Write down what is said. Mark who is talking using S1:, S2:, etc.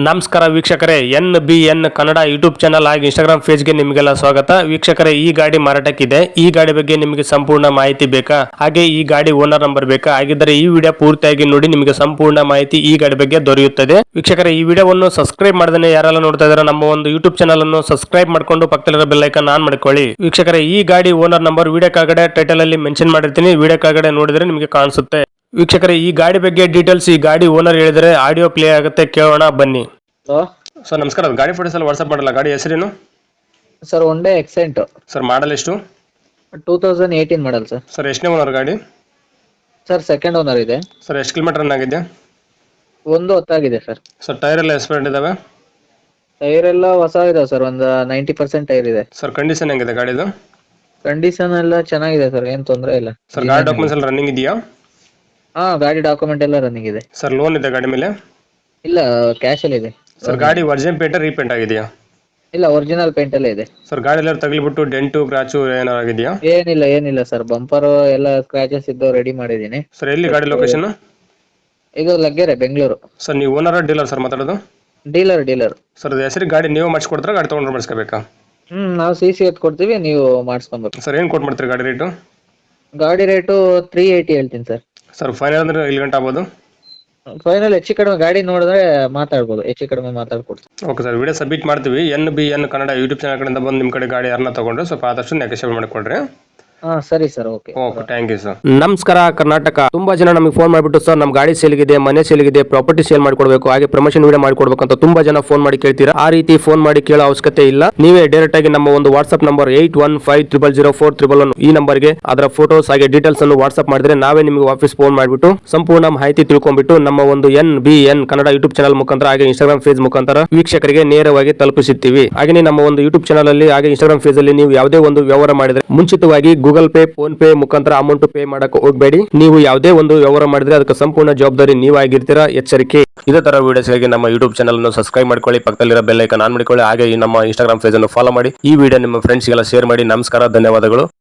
S1: ನಮಸ್ಕಾರ ವೀಕ್ಷಕರೇ, NBN Kannada YouTube channel ಹಾಗೂ ಇನ್ಸ್ಟಾಗ್ರಾಮ್ ಪೇಜ್ಗೆ ನಿಮಗೆಲ್ಲ ಸ್ವಾಗತ. ವೀಕ್ಷಕರೇ, ಈ ಗಾಡಿ ಮಾರಾಟಕ್ಕಿದೆ. ಈ ಗಾಡಿ ಬಗ್ಗೆ ನಿಮಗೆ ಸಂಪೂರ್ಣ ಮಾಹಿತಿ ಬೇಕಾ, ಹಾಗೆ ಈ ಗಾಡಿ ಓನರ್ ನಂಬರ್ ಬೇಕಾ? ಹಾಗಿದ್ದರೆ ಈ ವಿಡಿಯೋ ಪೂರ್ತಿಯಾಗಿ ನೋಡಿ, ನಿಮಗೆ ಸಂಪೂರ್ಣ ಮಾಹಿತಿ ಈ ಗಾಡಿ ಬಗ್ಗೆ ದೊರೆಯುತ್ತದೆ. ವೀಕ್ಷಕರೇ, ಈ ವಿಡಿಯೋವನ್ನು ಸಬ್ಸ್ಕ್ರೈಬ್ ಮಾಡದೇ ಯಾರೆಲ್ಲ ನೋಡ್ತಾ ಇದ್ದಾರೆ, ನಮ್ಮ ಒಂದು ಯೂಟ್ಯೂಬ್ ಚಾನಲ್ ಅನ್ನು ಸಬ್ಸ್ಕ್ರೈಬ್ ಮಾಡ್ಕೊಂಡು ಪಕ್ಕದಲ್ಲಿರೋ ಬೆಲ್ ಐಕಾನ್ ಆನ್ ಮಾಡ್ಕೊಳ್ಳಿ. ವೀಕ್ಷಕರೇ, ಈ ಗಾಡಿ ಓನರ್ ನಂಬರ್ ವಿಡಿಯೋ ಕೆಳಗಡೆ ಟೈಟಲ್ ಅಲ್ಲಿ ಮೆನ್ಷನ್ ಮಾಡಿರ್ತೀನಿ, ವಿಡಿಯೋ ಕೆಳಗಡೆ ನೋಡಿದ್ರೆ ನಿಮಗೆ ಕಾಣಿಸುತ್ತೆ. ವೀಕ್ಷಕರೇ, ಈ ಗಾಡಿ ಬಗ್ಗೆ ಡೀಟೇಲ್ಸ್ ಈ ಗಾಡಿ ಓನರ್ ಹೇಳಿದರೆ ಆಡಿಯೋ ಪ್ಲೇ ಆಗುತ್ತೆ, ಕೇಳೋಣ ಬನ್ನಿ. ಸರ್ ನಮಸ್ಕಾರ, ಗಾಡಿ ಫೋಟೋಸ್ ಎಲ್ಲ ವಾಟ್ಸ್ಆಪ್ ಮಾಡಲ್ಲ. ಗಾಡಿ ಹೆಸರೇನು
S2: ಸರ್? ಒಂದೇ ಎಕ್ಸೆಂಟ್
S1: ಸರ್. ಮಾಡಲ್ ಎಷ್ಟು?
S2: 2018 ಮಾಡಲ್ ಸರ್.
S1: ಸರ್ ಎಷ್ಟನೇ ಓನರ್ ಗಾಡಿ?
S2: ಸರ್ ಸೆಕೆಂಡ್ ಓನರ್ ಇದೆ
S1: ಸರ್. ಎಷ್ಟು ಕಿಲೋಮೀಟರ್ ರನ್ ಆಗಿದೆ?
S2: ಒಂದು ಹೊತ್ತಾಗಿದೆ ಸರ್.
S1: ಸರ್ ಟೈರ್ ಎಲ್ಲ ಎಕ್ಸ್ಪೈರ್ಡ್ ಇದಾವೆ?
S2: ಟೈರ್ ಎಲ್ಲ ಹೊಸ ಇದಾವೆ ಸರ್, ಒಂದು 90% ಟೈರ್ ಇದೆ
S1: ಸರ್. ಕಂಡೀಷನ್ ಹೆಂಗಿದೆ ಗಾಡಿದು?
S2: ಕಂಡೀಷನ್ ಎಲ್ಲ ಚೆನ್ನಾಗಿದೆ ಸರ್, ಏನ್ ತೊಂದರೆ ಇಲ್ಲ
S1: ಸರ್. ಗಾಡಿ ಡಾಕ್ಯುಮೆಂಟ್ಸ್ ಎಲ್ಲ ರನ್ನಿಂಗ್ ಇದೆಯಾ?
S2: ಹಾ, ಗಾಡಿ ಡಾಕ್ಯುಮೆಂಟ್ ಎಲ್ಲ ರನ್ನಿಂಗ್ ಇದೆ
S1: ಸರ್. ಲೋನ್ ಇದೆ ಗಾಡಿ ಮೇಲೆ?
S2: ಇಲ್ಲ, ಕ್ಯಾಶ್ ಅಲ್ಲಿ ಇದೆ
S1: ಸರ್. ಗಾಡಿ ಒರಿಜಿನಲ್ ಪೇಂಟ್ ರೀಪೇಂಟ್ ಆಗಿದೆಯಾ?
S2: ಇಲ್ಲ, ಒರಿಜಿನಲ್ ಪೇಂಟ್ ಎಲ್ಲ ಇದೆ
S1: ಸರ್. ಗಾಡಿ ಎಲ್ಲ ತಗಲಿಬಿಟ್ಟು ಡೆಂಟು ಕ್ರಾಚು ಏನಾರು ಆಗಿದೆಯಾ?
S2: ಏನಿಲ್ಲ ಸರ್, ಬಂಪರ್ ಎಲ್ಲ ಸ್ಕ್ರಾಚಸ್ ಇದ್ದು ರೆಡಿ ಮಾಡಿದೀನಿ
S1: ಸರ್. ಎಲ್ಲಿ ಗಾಡಿ ಲೊಕೇಶನ್?
S2: ಇದು ಲಗ್ಗೆರೆ, ಬೆಂಗಳೂರು.
S1: ಸರ್ ನೀವು ಓನರ್ ಡೀಲರ್ ಸರ್ ಮಾತಾಡೋದು?
S2: ಡೀಲರ್.
S1: ಸರ್ ಹೆಸರಿಗೆ ಗಾಡಿ ನೀವು ಮಾಡಿಸ್ಕೊಡ್ತಾರೆ, ಗಾಡಿ ತೊಗೊಂಡ್ರೆ ಮಾಡಿಸ್ಕೋಬೇಕಾ?
S2: ನಾವು CC ಎತ್ ಕೊಡ್ತೀವಿ, ನೀವು ಮಾಡಿಸ್ಕೊಬೇಕು.
S1: ಸರ್. ಏನು ಕೊಟ್ಟು ಮಾಡ್ತೀರಿ ಗಾಡಿ ರೇಟು?
S2: ಗಾಡಿ ರೇಟು 380 ಹೇಳ್ತೀನಿ ಸರ್.
S1: ಸರ್. ಫೈನಲ್ ಅಂದ್ರೆ ಇಲ್ಲಿ ಗಂಟೆ ಆಗ್ಬೋದು?
S2: ಫೈನಲ್ ಹೆಚ್ಚು ಕಡಿಮೆ ಗಾಡಿ ನೋಡಿದ್ರೆ ಮಾತಾಡ್ಬೋದು, ಹೆಚ್ಚು ಕಡಿಮೆ ಮಾತಾಡ್ಕೊಡ್ತೀವಿ.
S1: Okay sir. ವಿಡಿಯೋ ಸಬ್ಮಿಟ್ ಮಾಡ್ತೀವಿ. NBN ಕನ್ನಡ ಯೂಟ್ಯೂಬ್ ಚಾನಲ್ ಕಡೆಯಿಂದ ಬಂದು ನಿಮ್ಮ ಕಡೆ ಗಾಡಿ ಯಾರನ್ನ ತಗೊಂಡ್ರೆ ಸ್ವಲ್ಪ ಆದಷ್ಟು ನೆಗೋಷಿಯೇಟ್ ಮಾಡಿಕೊಡ್ರಿ.
S2: ಹಾ ಸರಿ sir, okay.
S1: Thank you sir. ನಮಸ್ಕಾರ ಕರ್ನಾಟಕ. ತುಂಬಾ ಜನ ನಮಗೆ ಫೋನ್ ಮಾಡಿಬಿಟ್ಟು, ಸರ್ ನಮ್ಮ ಗಾಡಿ ಸೇಲ್ಗಿದೆ, ಮನೆ ಸೇಲ್ಗಿದೆ, ಪ್ರಾಪರ್ಟಿ ಸೇಲ್ ಮಾಡಿಕೊಡ್ಬೇಕು, ಹಾಗೆ ಪ್ರಮೋಷನ್ ವಿಡಿಯೋ ಮಾಡಿಕೊಡ್ಬೇಕು ಅಂತ ತುಂಬಾ ಜನ ಫೋನ್ ಮಾಡಿ ಕೇಳ್ತೀರಾ. ಆ ರೀತಿ ಫೋನ್ ಮಾಡಿ ಕೇಳೋ ಅವಶ್ಯಕತೆ ಇಲ್ಲ. ನೀವೇ ಡೈರೆಕ್ಟ್ ಆಗಿ ನಮ್ಮ ಒಂದು ವಾಟ್ಸ್ಆಪ್ ನಂಬರ್ 81500411 ಈ ನಂಬರ್ಗೆ ಅದರ ಫೋಟೋಸ್ ಹಾಗೆ ಡೀಟೇಲ್ಸ್ ಅನ್ನು ವಾಟ್ಸ್ಆಪ್ ಮಾಡಿದ್ರೆ ನಾವೇ ನಿಮಗೆ ವಾಪಸ್ ಫೋನ್ ಮಾಡಿಬಿಟ್ಟು ಸಂಪೂರ್ಣ ಮಾಹಿತಿ ತಿಳ್ಕೊಂಡ್ಬಿಟ್ಟು ನಮ್ಮ ಒಂದು NBN ಕನ್ನಡ ಯೂಟ್ಯೂಬ್ ಚಾನಲ್ ಮುಖಾಂತರ ಹಾಗೆ ಇನ್ಸ್ಟಾಗ್ರಾಮ್ ಪೇಜ್ ಮುಖಾಂತರ ವೀಕ್ಷಕರಿಗೆ ನೇರವಾಗಿ ತಲುಪಿಸುತ್ತೀವಿ. ಹಾಗೆ ನಮ್ಮ ಒಂದು ಯೂಟ್ಯೂಬ್ ಚಾನಲ್ ಅಲ್ಲಿ ಹಾಗೆ ಇನ್ಸ್ಟಾಗ್ರಾಮ್ ಪೇಜ್ ಅಲ್ಲಿ ನೀವು ಯಾವುದೇ ಒಂದು ವ್ಯವಹಾರ ಮಾಡಿದ್ರೆ ಮುಂಚಿತವಾಗಿ ಗೂಗಲ್ ಪೇ, ಫೋನ್ ಪೇ ಮುಖಾಂತರ ಅಮೌಂಟ್ ಪೇ ಮಾಡಕ್ಕೆ ಹೋಗಬೇಡಿ. ನೀವು ಯಾವುದೇ ಒಂದು ವ್ಯವಹಾರ ಮಾಡಿದ್ರೆ ಅದಕ್ಕೆ ಸಂಪೂರ್ಣ ಜವಾಬ್ದಾರಿ ನೀವಾಗಿರ್ತೀರಾ, ಎಚ್ಚರಿಕೆ. ಇದೇ ತರ ವಿಡಿಯೋಸ್ಗಾಗಿ ನಮ್ಮ ಯೂಟ್ಯೂಬ್ ಚಾನಲ್ ಅನ್ನು ಸಬ್ಸ್ಕ್ರೈಬ್ ಮಾಡ್ಕೊಳ್ಳಿ, ಪಕ್ಕದಲ್ಲಿರೋ ಬೆಲ್ ಐಕಾನ್ ಆನ್ ಮಾಡಿಕೊಳ್ಳಿ, ಹಾಗೆ ನಮ್ಮ ಇನ್ಸ್ಟಾಗ್ರಾಮ್ ಪೇಜ್ ಅನ್ನು ಫಾಲೋ ಮಾಡಿ. ಈ ವಿಡಿಯೋ ನಿಮ್ಮ ಫ್ರೆಂಡ್ಸ್ಗೆಲ್ಲ ಶೇರ್ ಮಾಡಿ. ನಮಸ್ಕಾರ, ಧನ್ಯವಾದಗಳು.